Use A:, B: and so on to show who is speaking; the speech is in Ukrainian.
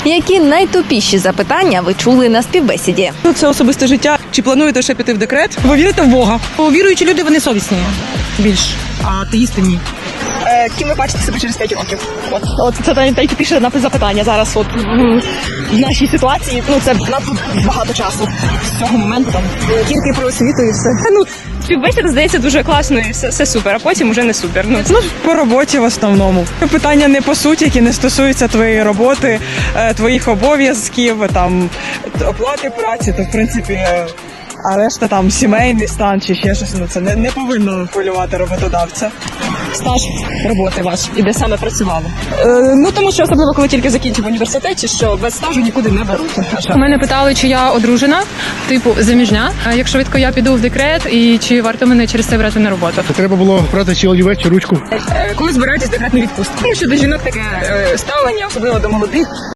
A: Які найтупіші запитання ви чули на співбесіді?
B: Це особисте життя. Чи плануєте ще піти в декрет?
C: Ви вірите в Бога? Віруючі люди, вони совісні більш, а атеїсти ні.
B: Ким ви бачите себе через 5 років?
C: От це найтупіше запитання зараз. От в нашій ситуації, це надто багато часу з цього моменту там.
B: Тільки про освіту і все.
D: Співбесіда, здається, дуже класно і все супер, а потім уже не супер.
B: По роботі в основному. Питання не по суті, які не стосуються твоєї роботи, твоїх обов'язків, там оплати праці, то в принципі. А решта там сімейний стан чи ще щось, це не повинно хвилювати роботодавця.
C: Стаж роботи ваш, і де саме працювали.
B: Тому що особливо, коли тільки закінчив університет, чи що без стажу нікуди не беруть.
E: Мене питали, чи я одружена, типу заміжня. Як швидко я піду в декрет і чи варто мене через це брати на роботу.
F: Треба було брати чи олівець, чи ручку.
B: Коли збираєтесь декретну відпустку? Тому що до жінок таке ставлення, особливо до молодих.